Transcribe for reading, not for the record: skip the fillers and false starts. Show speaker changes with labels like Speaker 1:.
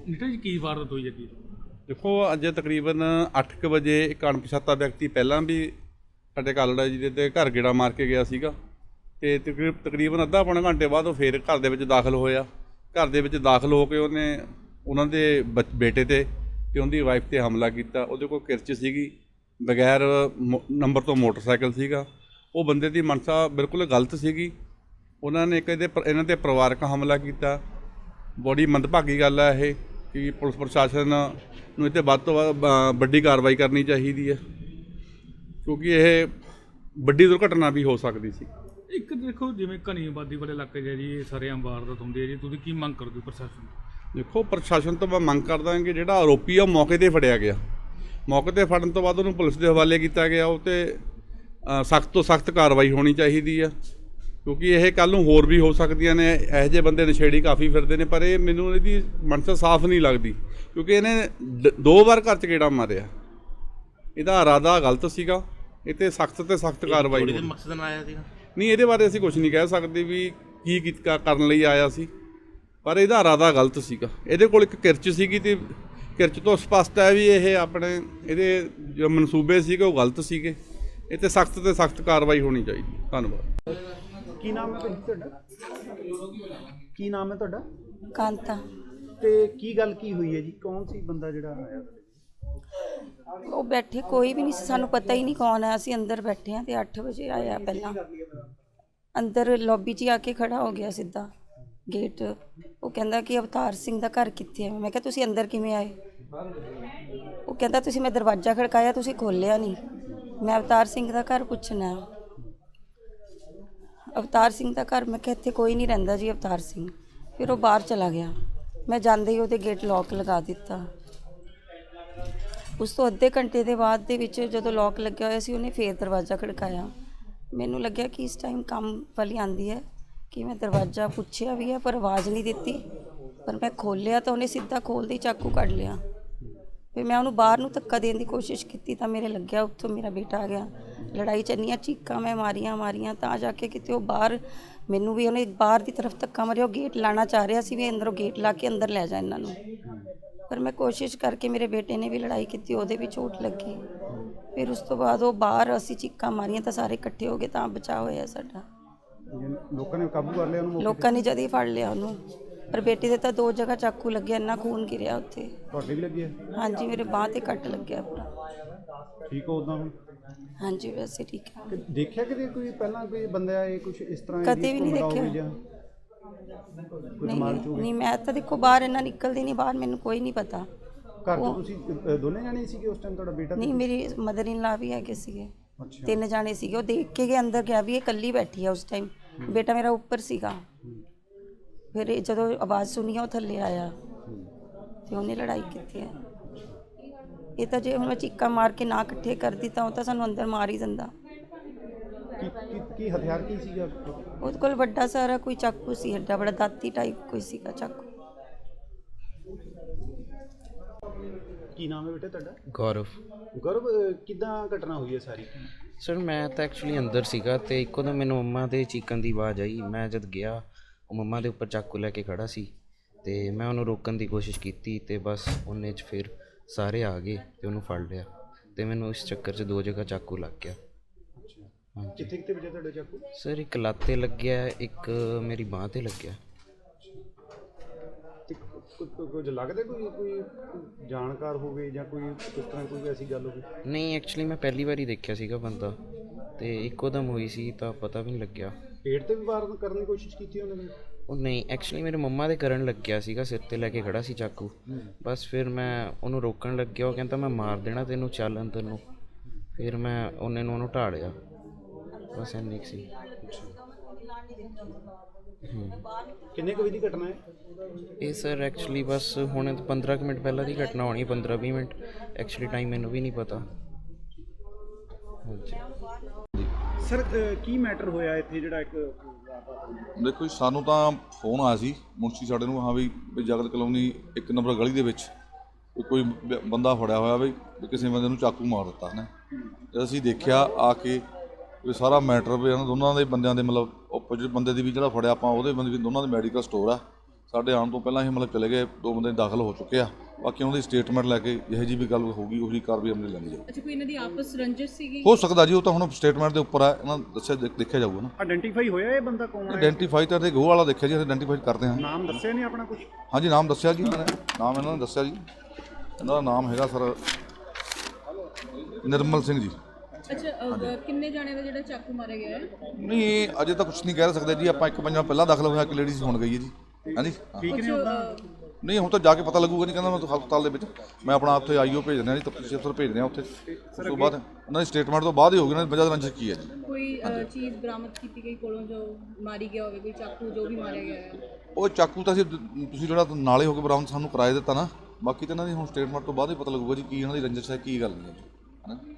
Speaker 1: ਨੀਟਾ जी की वारदात हुई है की?
Speaker 2: देखो अज तकरीबन 8 ਵਜੇ ਇੱਕ ਅਣਪਛਾਤਾ ਵਿਅਕਤੀ ਪਹਿਲਾਂ ਵੀ ਸਾਡੇ ਕਾਲੜਾ ਜੀ ਦੇ ਘਰ ਗੇੜਾ ਮਾਰ ਕੇ ਗਿਆ ਸੀਗਾ ਤੇ ਤਕਰੀਬਨ ਅੱਧਾ ਪੌਣਾ ਘੰਟੇ ਬਾਅਦ ਉਹ ਫੇਰ ਘਰ ਦੇ ਵਿੱਚ ਦਾਖਲ ਹੋਇਆ। ਘਰ ਦੇ ਵਿੱਚ ਦਾਖਲ ਹੋ ਕੇ ਉਹਨੇ ਉਹਨਾਂ ਦੇ ਬੇਟੇ ਤੇ ਉਹਦੀ ਵਾਈਫ ਤੇ ਹਮਲਾ ਕੀਤਾ। ਉਹਦੇ ਕੋਲ ਕਿਰਚ ਸੀਗੀ, ਬਗੈਰ ਨੰਬਰ ਤੋਂ ਮੋਟਰਸਾਈਕਲ ਸੀਗਾ। ਉਹ ਬੰਦੇ ਦੀ ਮਨਸਾ ਬਿਲਕੁਲ ਗਲਤ ਸੀਗੀ। ਉਹਨਾਂ ਨੇ ਇਹਨਾਂ ਤੇ ਪਰਿਵਾਰਕ ਹਮਲਾ ਕੀਤਾ। ਬੜੀ ਮੰਦਭਾਗੀ ਗੱਲ ਹੈ ਇਹ ਕਿ ਪੁਲਿਸ ਪ੍ਰਸ਼ਾਸਨ ਨੂੰ ਇਹ 'ਤੇ ਵੱਧ ਤੋਂ ਵੱਧ ਵੱਡੀ ਕਾਰਵਾਈ ਕਰਨੀ ਚਾਹੀਦੀ ਹੈ ਕਿਉਂਕਿ ਇਹ ਵੱਡੀ ਦੁਰਘਟਨਾ ਵੀ ਹੋ ਸਕਦੀ ਸੀ।
Speaker 1: एक देखो जिवें घनी आबादी वाले इलाके जी सरेआम वारदात हुंदी है जी, तुसीं की मंग करदे हो प्रशासन?
Speaker 2: ਦੇਖੋ ਪ੍ਰਸ਼ਾਸਨ ਤੋਂ ਮੈਂ ਮੰਗ ਕਰਦਾ ਕਿ ਜਿਹੜਾ ਆਰੋਪੀ ਆ ਮੌਕੇ 'ਤੇ ਫੜਿਆ ਗਿਆ। ਮੌਕੇ 'ਤੇ ਫੜਨ ਤੋਂ ਬਾਅਦ ਉਹਨੂੰ ਪੁਲਿਸ ਦੇ ਹਵਾਲੇ ਕੀਤਾ ਗਿਆ। ਉਹ 'ਤੇ ਸਖਤ ਤੋਂ ਸਖਤ ਕਾਰਵਾਈ ਹੋਣੀ ਚਾਹੀਦੀ ਆ ਕਿਉਂਕਿ ਇਹ ਕੱਲ੍ਹ ਨੂੰ ਹੋਰ ਵੀ ਹੋ ਸਕਦੀਆਂ ਨੇ। ਇਹੋ ਜਿਹੇ ਬੰਦੇ ਨਸ਼ੇੜੀ ਕਾਫੀ ਫਿਰਦੇ ਨੇ, ਪਰ ਇਹ ਮੈਨੂੰ ਇਹਦੀ ਮਨਸਾ ਸਾਫ਼ ਨਹੀਂ ਲੱਗਦੀ ਕਿਉਂਕਿ ਇਹਨੇ 2 ਵਾਰ ਘਰ 'ਚ ਗੇੜਾ ਮਾਰਿਆ। ਇਹਦਾ ਇਰਾਦਾ ਗਲਤ ਸੀਗਾ। ਇਹ 'ਤੇ ਸਖਤ ਕਾਰਵਾਈ ਹੋਣੀ।
Speaker 3: ਮਕਸਦ ਨਾਲ ਆਇਆ ਸੀਗਾ?
Speaker 2: ਨਹੀਂ, ਇਹਦੇ ਬਾਰੇ ਅਸੀਂ ਕੁਝ ਨਹੀਂ ਕਹਿ ਸਕਦੇ ਵੀ ਕੀ ਕਰਨ ਲਈ ਆਇਆ ਸੀ, ਪਰ ਇਹਦਾ ਇਰਾਦਾ ਗਲਤ ਸੀਗਾ। ਇਹਦੇ ਕੋਲ ਇੱਕ ਕਿਰਚ ਸੀਗੀ ਤੇ ਕਿਰਚ ਤੋਂ ਸਪਸ਼ਟ ਹੈ ਵੀ ਇਹ ਆਪਣੇ ਇਹਦੇ ਜੋ ਮਨਸੂਬੇ ਸੀਗੇ ਉਹ ਗਲਤ ਸੀਗੇ। ਇਹ 'ਤੇ ਸਖਤ ਕਾਰਵਾਈ ਹੋਣੀ ਚਾਹੀਦੀ। ਧੰਨਵਾਦ।
Speaker 4: ਕੀ ਨਾਮ ਹੈ ਭੈਣ ਜੀ ਤੁਹਾਡਾ? ਕੀ ਨਾਮ ਹੈ ਤੁਹਾਡਾ?
Speaker 5: ਕਾਂਤਾ।
Speaker 4: ਤੇ ਕੀ ਗੱਲ ਕੀ ਹੋਈ ਹੈ ਜੀ? ਕੌਣ ਸੀ ਬੰਦਾ ਜਿਹੜਾ ਆਇਆ?
Speaker 5: ਉਹ ਬੈਠੇ ਕੋਈ ਵੀ ਨਹੀਂ ਸੀ, ਸਾਨੂੰ ਪਤਾ ਹੀ ਨਹੀਂ ਕੌਣ ਹੈ। ਅਸੀਂ ਅੰਦਰ ਬੈਠੇ ਹਾਂ ਤੇ 8 ਵਜੇ ਆਇਆ। ਪਹਿਲਾਂ ਅੰਦਰ ਲੌਬੀ 'ਚ ਹੀ ਆ ਕੇ ਖੜਾ ਹੋ ਗਿਆ ਸਿੱਧਾ ਗੇਟ। ਉਹ ਕਹਿੰਦਾ ਕਿ ਅਵਤਾਰ ਸਿੰਘ ਦਾ ਘਰ ਕਿੱਥੇ ਹੈ? ਮੈਂ ਕਿਹਾ ਤੁਸੀਂ ਅੰਦਰ ਕਿਵੇਂ ਆਏ? ਉਹ ਕਹਿੰਦਾ ਤੁਸੀਂ ਮੈਂ ਦਰਵਾਜ਼ਾ ਖੜਕਾਇਆ, ਤੁਸੀਂ ਖੋਲ੍ਹਿਆ ਨਹੀਂ। ਮੈਂ ਅਵਤਾਰ ਸਿੰਘ ਦਾ ਘਰ ਪੁੱਛਣਾ। ਅਵਤਾਰ ਸਿੰਘ ਦਾ ਘਰ? ਮੈਂ ਕਿਹਾ ਇੱਥੇ ਕੋਈ ਨਹੀਂ ਰਹਿੰਦਾ ਜੀ ਅਵਤਾਰ ਸਿੰਘ। ਫਿਰ ਉਹ ਬਾਹਰ ਚਲਾ ਗਿਆ। ਮੈਂ ਜਾਂਦੇ ਹੀ ਉਹਦੇ ਗੇਟ ਲੌਕ ਲਗਾ ਦਿੱਤਾ। ਉਸ ਤੋਂ ਅੱਧੇ ਘੰਟੇ ਦੇ ਬਾਅਦ ਦੇ ਵਿੱਚ ਜਦੋਂ ਲੌਕ ਲੱਗਿਆ ਹੋਇਆ ਸੀ ਉਹਨੇ ਫੇਰ ਦਰਵਾਜ਼ਾ ਖੜਕਾਇਆ। ਮੈਨੂੰ ਲੱਗਿਆ ਕਿ ਇਸ ਟਾਈਮ ਕੰਮ ਵਾਲੀ ਆਂਦੀ ਹੈ ਕਿ ਮੈਂ ਦਰਵਾਜ਼ਾ ਪੁੱਛਿਆ ਵੀ ਹੈ ਪਰ ਆਵਾਜ਼ ਨਹੀਂ ਦਿੱਤੀ। ਪਰ ਮੈਂ ਖੋਲ੍ਹਿਆ ਤਾਂ ਉਹਨੇ ਸਿੱਧਾ ਖੋਲ੍ਹਦੇ ਹੀ ਚਾਕੂ ਕੱਢ ਲਿਆ। ਫਿਰ ਮੈਂ ਉਹਨੂੰ ਬਾਹਰ ਨੂੰ ਧੱਕਾ ਦੇਣ ਦੀ ਕੋਸ਼ਿਸ਼ ਕੀਤੀ ਤਾਂ ਮੇਰੇ ਲੱਗਿਆ ਉੱਥੋਂ ਮੇਰਾ ਬੇਟਾ ਆ ਗਿਆ। ਲੜਾਈ ਚੰਨੀਆਂ ਚੀਕਾਂ ਮੈਂ ਮਾਰੀਆਂ ਤਾਂ ਜਾ ਕੇ ਕਿਤੇ ਉਹ ਬਾਹਰ ਮੈਨੂੰ ਵੀ ਉਹਨੇ ਬਾਹਰ ਦੀ ਤਰਫ ਧੱਕਾ ਮਾਰਿਆ। ਉਹ ਗੇਟ ਲਾਣਾ ਚਾਹ ਰਿਹਾ ਸੀ ਵੀ ਅੰਦਰੋਂ ਗੇਟ ਲਾ ਕੇ ਅੰਦਰ ਲੈ ਜਾ ਇਹਨਾਂ ਨੂੰ। ਪਰ ਮੈਂ ਕੋਸ਼ਿਸ਼ ਕਰਕੇ ਮੇਰੇ ਬੇਟੇ ਨੇ ਵੀ ਲੜਾਈ ਕੀਤੀ, ਉਹਦੇ ਵੀ ਚੋਟ ਲੱਗੀ। ਫਿਰ ਉਸ ਤੋਂ ਬਾਅਦ ਉਹ ਬਾਹਰ ਅਸੀਂ ਚੀਕਾਂ ਮਾਰੀਆਂ ਤਾਂ ਸਾਰੇ ਇਕੱਠੇ ਹੋ ਗਏ ਤਾਂ ਬਚਾਅ ਹੋਇਆ ਸਾਡਾ।
Speaker 4: ਲੋਕਾਂ ਨੇ ਕਾਬੂ ਕਰ ਲਿਆ ਉਹਨੂੰ?
Speaker 5: ਲੋਕਾਂ ਨੇ ਜਦ ਹੀ ਫੜ ਲਿਆ ਉਹਨੂੰ। ਪਰ ਬੇਟੀ ਦੇ ਤਾਂ 2 ਜਗ੍ਹਾ ਚਾਕੂ ਲੱਗਿਆ, ਇੰਨਾ ਖੂਨ ਗਿਰਿਆ ਉੱਥੇ।
Speaker 4: ਤੁਹਾਡੇ ਵੀ ਲੱਗਿਆ?
Speaker 5: ਹਾਂਜੀ, ਮੇਰੇ ਬਾਂਹ ਤੇ ਕੱਟ ਲੱਗਿਆ ਪੂਰਾ।
Speaker 4: ਠੀਕ ਹੋ ਉਦਾਂ ਹੁਣ?
Speaker 5: ਹਾਂਜੀ ਵੈਸੇ ਠੀਕ ਹੈ।
Speaker 4: ਦੇਖਿਆ ਕਿਤੇ ਕੋਈ ਪਹਿਲਾਂ ਕੋਈ ਬੰਦਾ ਇਹ ਕੁਝ ਇਸ ਤਰ੍ਹਾਂ?
Speaker 5: ਕਦੇ ਵੀ ਨਹੀਂ ਦੇਖਿਆ। ਨਹੀਂ ਮੈਂ ਤਾਂ ਦੇਖੋ ਬਾਹਰ ਇੰਨਾ ਨਿਕਲਦੀ ਨਹੀਂ ਬਾਹਰ, ਮੈਨੂੰ ਕੋਈ ਨਹੀਂ ਪਤਾ।
Speaker 4: ਘਰ ਤੋਂ ਤੁਸੀਂ ਦੋਨੇ ਜਾਣੇ ਸੀਗੇ ਉਸ ਟਾਈਮ? ਤੁਹਾਡਾ ਬੇਟਾ?
Speaker 5: ਨਹੀਂ, ਮੇਰੀ ਮਦਰ ਇਨ ਲਾ ਵੀ ਹੈਗੇ ਸੀਗੇ।
Speaker 4: ਅੱਛਾ।
Speaker 5: 3 ਜਾਣੇ ਸੀਗੇ। ਉਹ ਦੇਖ ਕੇ ਗਏ ਅੰਦਰ ਗਿਆ ਵੀ ਇਹ ਇਕੱਲੀ ਬੈਠੀ ਆ ਉਸ ਟਾਈਮ। ਬੇਟਾ ਮੇਰਾ ਉੱਪਰ ਸੀਗਾ। ਫਿਰ ਜਦੋਂ ਆਵਾਜ਼ ਸੁਣੀ ਉਹ ਥੱਲੇ ਆਇਆ ਤੇ ਉਹਨੇ ਲੜਾਈ ਕੀਤੀ ਹੈ। ਇਹ ਤਾਂ ਜੇ ਹੁਣ ਮੈਂ ਚੀਕਾਂ ਮਾਰ ਕੇ ਨਾ ਇਕੱਠੇ ਕਰਦੀ ਤਾਂ ਉਹ ਤਾਂ ਸਾਨੂੰ ਅੰਦਰ ਮਾਰ ਹੀ ਦਿੰਦਾ।
Speaker 4: ਕੀ ਹਥਿਆਰ ਕੀ ਸੀਗਾ
Speaker 5: ਉਹਦੇ ਕੋਲ? ਵੱਡਾ ਸਾਰਾ ਕੋਈ ਚਾਕੂ ਸੀ, ਐਡਾ ਬੜਾ ਦਾਤੀ ਟਾਈਪ ਕੋਈ ਸੀਗਾ ਚਾਕੂ।
Speaker 4: ਕੀ ਨਾਮ ਹੈ ਬੇਟਾ ਤੁਹਾਡਾ?
Speaker 3: ਗੌਰਵ।
Speaker 4: ਗੌਰਵ, ਕਿੱਦਾਂ ਘਟਨਾ ਹੋਈ ਹੈ ਸਾਰੀ?
Speaker 3: ਸਰ ਮੈਂ ਤਾਂ ਐਕਚੁਅਲੀ ਅੰਦਰ ਸੀਗਾ ਤੇ ਇੱਕੋ ਦਮ ਮੈਨੂੰ ਮੰਮਾ ਦੇ ਚੀਕਣ ਦੀ ਆਵਾਜ਼ ਆਈ। ਮੈਂ ਜਦ ਗਿਆ ਉਹ ਮੰਮਾ ਦੇ ਉੱਪਰ ਚਾਕੂ ਲੈ ਕੇ ਖੜਾ ਸੀ ਤੇ ਮੈਂ ਉਹਨੂੰ ਰੋਕਣ ਦੀ ਕੋਸ਼ਿਸ਼ ਕੀਤੀ ਤੇ ਬਸ ਉਹਨੇ 'ਚ ਫਿਰ ਸਾਰੇ ਆ ਗਏ ਤੇ ਉਹਨੂੰ ਫੜ ਲਿਆ ਤੇ ਮੈਨੂੰ ਇਸ ਚੱਕਰ 'ਚ 2 ਜਗ੍ਹਾ ਚਾਕੂ ਲੱਗ ਗਿਆ। ਹਾਂਜੀ।
Speaker 4: ਕਿੱਥੇ ਵਜੇ ਤੁਹਾਡਾ ਚਾਕੂ?
Speaker 3: ਸਰ ਇੱਕ ਲੱਤ 'ਤੇ ਲੱਗਿਆ, ਇੱਕ ਮੇਰੀ ਬਾਂਹ 'ਤੇ ਲੱਗਿਆ।
Speaker 4: ਕੁਝ ਲੱਗਦਾ ਕੋਈ ਜਾਣਕਾਰ ਹੋਵੇ ਜਾਂ ਕੋਈ ਇਸ ਤਰ੍ਹਾਂ ਕੋਈ ਐਸੀ ਗੱਲ ਹੋਵੇ?
Speaker 3: ਨਹੀਂ, ਐਕਚੁਅਲੀ ਮੈਂ ਪਹਿਲੀ ਵਾਰੀ ਦੇਖਿਆ ਸੀਗਾ ਬੰਦਾ ਤੇ ਇੱਕੋ ਦਮ ਹੋਈ ਸੀ ਤਾਂ ਪਤਾ ਵੀ ਨਹੀਂ ਲੱਗਿਆ।
Speaker 4: ਪੇਟ ਤੇ ਵੀ ਵਾਰ ਕਰਨ ਦੀ ਕੋਸ਼ਿਸ਼ ਕੀਤੀ ਉਹਨਾਂ ਨੇ?
Speaker 3: ਉਹ ਨਹੀਂ, ਐਕਚੁਅਲੀ ਮੇਰੇ ਮੰਮਾ ਦੇ ਕਰਨ ਲੱਗਿਆ ਸੀਗਾ, ਸਿਰ 'ਤੇ ਲੈ ਕੇ ਖੜਾ ਸੀ ਚਾਕੂ। ਬਸ ਫਿਰ ਮੈਂ ਉਹਨੂੰ ਰੋਕਣ ਲੱਗਿਆ। ਉਹ ਕਹਿੰਦਾ ਮੈਂ ਮਾਰ ਦੇਣਾ ਤੈਨੂੰ, ਚੱਲ ਅੰਦਰ ਨੂੰ। ਫਿਰ ਮੈਂ ਉਹਨੂੰ ਢਾਲਿਆ। ਬਸ ਇੰਨੀ ਕੁ ਸੀ।
Speaker 4: ਕਿੰਨੇ ਕੁ ਵਜੇ ਦੀ ਘਟਨਾ ਹੈ
Speaker 3: ਇਹ? ਸਰ ਐਕਚੁਅਲੀ ਬਸ ਹੁਣ 15 ਕੁ ਮਿੰਟ ਪਹਿਲਾਂ ਦੀ ਘਟਨਾ ਹੋਣੀ, 15-20 ਮਿੰਟ। ਐਕਚੁਅਲੀ ਟਾਈਮ ਮੈਨੂੰ ਵੀ ਨਹੀਂ ਪਤਾ। ਹਾਂਜੀ
Speaker 4: ਸਰ, ਕੀ ਮੈਟਰ ਹੋਇਆ ਇੱਥੇ ਜਿਹੜਾ ਇੱਕ?
Speaker 6: ਦੇਖੋ ਜੀ, ਸਾਨੂੰ ਤਾਂ ਫੋਨ ਆਇਆ ਸੀ ਮੁਨਸ਼ੀ ਸਾਡੇ ਨੂੰ, ਹਾਂ ਵੀ ਜਗਤ ਕਲੋਨੀ 1 ਨੰਬਰ ਗਲੀ ਦੇ ਵਿੱਚ ਕੋਈ ਬੰਦਾ ਫੜਿਆ ਹੋਇਆ ਵੀ ਕਿਸੇ ਬੰਦੇ ਨੂੰ ਚਾਕੂ ਮਾਰ ਦਿੱਤਾ ਹੈ। ਜਦ ਅਸੀਂ ਦੇਖਿਆ ਆ ਕੇ ਵੀ ਸਾਰਾ ਮੈਟਰ ਵੀ ਇਹਨਾਂ ਦੋਨਾਂ ਦੇ ਬੰਦਿਆਂ ਦੇ ਮਤਲਬ ਓਪੋਜਿਟ ਬੰਦੇ ਦੀ ਵੀ ਜਿਹੜਾ ਫੜਿਆ ਆਪਾਂ ਉਹਦੇ ਬੰਦੇ ਵੀ ਦੋਨਾਂ ਦੇ ਮੈਡੀਕਲ ਸਟੋਰ ਆ। ਸਾਡੇ ਆਉਣ ਤੋਂ ਪਹਿਲਾਂ ਹੀ ਮਤਲਬ ਚਲੇ ਗਏ, 2 ਬੰਦੇ ਦਾਖਲ ਹੋ ਚੁੱਕੇ ਆ। ਬਾਕੀ ਉਹਨਾਂ ਦੀ ਸਟੇਟਮੈਂਟ ਲੈ ਕੇ ਜਿਹੋ ਜਿਹੀ ਵੀ ਗੱਲ ਹੋਊਗੀ ਉਹੀ ਕਾਰਵਾਈ ਅਮਲ ਲੈਣੀ ਜਾਊਗੀ।
Speaker 7: ਅੱਛਾ, ਕੋਈ ਇਹਨਾਂ ਦੀ ਆਪਸ ਰੰਜਿਸ਼ ਸੀਗੀ?
Speaker 6: ਹੋ ਸਕਦਾ ਜੀ, ਉਹ ਤਾਂ ਹੁਣ ਸਟੇਟਮੈਂਟ ਦੇ ਉੱਪਰ ਆ, ਇਹਨਾਂ ਦੱਸਿਆ ਦੇਖਿਆ ਜਾਊਗਾ ਨਾ।
Speaker 4: ਆਇਡੈਂਟੀਫਾਈ ਹੋਇਆ ਇਹ ਬੰਦਾ ਕੌਣ ਹੈ?
Speaker 6: ਆਇਡੈਂਟੀਫਾਈ ਤਾਂ ਗੋਹ ਵਾਲਾ ਦੇਖਿਆ ਜੀ, ਆਇਡੈਂਟੀਫਾਈ ਕਰਦੇ ਹਾਂ।
Speaker 4: ਨਾਮ ਦੱਸਿਆ ਨਹੀਂ ਆਪਣਾ ਕੁਝ?
Speaker 6: ਹਾਂਜੀ, ਨਾਮ ਦੱਸਿਆ ਜੀ ਇਹਨਾਂ ਨੇ, ਨਾਮ ਇਹਨਾਂ ਨੇ ਦੱਸਿਆ ਜੀ। ਇਹਨਾਂ ਦਾ ਨਾਮ ਹੈਗਾ ਸਰ ਨਿਰਮਲ ਸਿੰਘ ਜੀ।
Speaker 7: ਅੱਛਾ, ਕਿੰਨੇ ਜਾਣੇ ਦਾ ਜਿਹੜਾ ਚਾਕੂ ਮਾਰਿਆ ਗਿਆ ਹੈ?
Speaker 6: ਨਹੀਂ, ਅਜੇ ਤਾਂ ਕੁਝ ਨਹੀਂ ਕਹਿ ਸਕਦੇ ਜੀ ਆਪਾਂ। 1 ਵਜੇ ਪਹਿਲਾਂ ਦਾਖਲ ਹੋਇਆ, ਇੱਕ ਲੇਡੀਜ਼ ਹੁਣ ਗਈ ਹੈ ਜੀ। ਹਾਂਜੀ,
Speaker 4: ਠੀਕ ਨੇ ਉਹਦਾ?
Speaker 6: ਨਹੀਂ ਹੁਣ ਤਾਂ ਜਾ ਕੇ ਪਤਾ ਲੱਗੂਗਾ। ਨਹੀਂ ਕਹਿੰਦਾ ਮੈਂ ਹਸਪਤਾਲ ਦੇ ਵਿੱਚ, ਮੈਂ ਆਪਣਾ ਉੱਥੇ ਆਈਓ ਭੇਜ ਦਿੰਦਾ ਜੀ, ਤਫਤੀਸ਼ ਅਫਸਰ ਭੇਜ ਦਿਆਂ ਉੱਥੇ। ਉਸ ਤੋਂ ਬਾਅਦ ਉਹਨਾਂ ਦੀ ਸਟੇਟਮੈਂਟ ਤੋਂ ਬਾਅਦ ਹੀ ਹੋਊਗੀ ਉਹਨਾਂ ਦੀ ਵਜ੍ਹਾ ਰੰਜਿਸ਼ ਕੀ ਹੈ ਜੀ।
Speaker 7: ਕੋਈ ਚੀਜ਼ ਬਰਾਮਦ ਕੀਤੀ ਗਈ ਕੋਲੋਂ ਜੋ ਮਾਰੀ ਗਿਆ ਹੋਵੇ, ਕੋਈ ਚਾਕੂ ਜੋ ਵੀ ਮਾਰਿਆ ਗਿਆ ਹੈ?
Speaker 6: ਉਹ ਚਾਕੂ ਤਾਂ ਤੁਸੀਂ ਜਿਹੜਾ ਨਾਲੇ ਹੋ ਕੇ ਬਰਾਮਦ ਸਾਨੂੰ ਕਰਾਏ ਦਿੱਤਾ ਨਾ, ਬਾਕੀ ਤਾਂ ਇਹਨਾਂ ਦੀ ਹੁਣ ਸਟੇਟਮੈਂਟ ਤੋਂ ਬਾਅਦ ਹੀ ਪਤਾ ਲੱਗੂਗਾ ਜੀ ਕੀ ਇਹਨਾਂ ਦੀ ਰੰਜਿਸ਼ ਹੈ, ਕੀ ਗੱਲ ਨਹੀਂ ਹੈ ਜੀ, ਹੈ ਨਾ।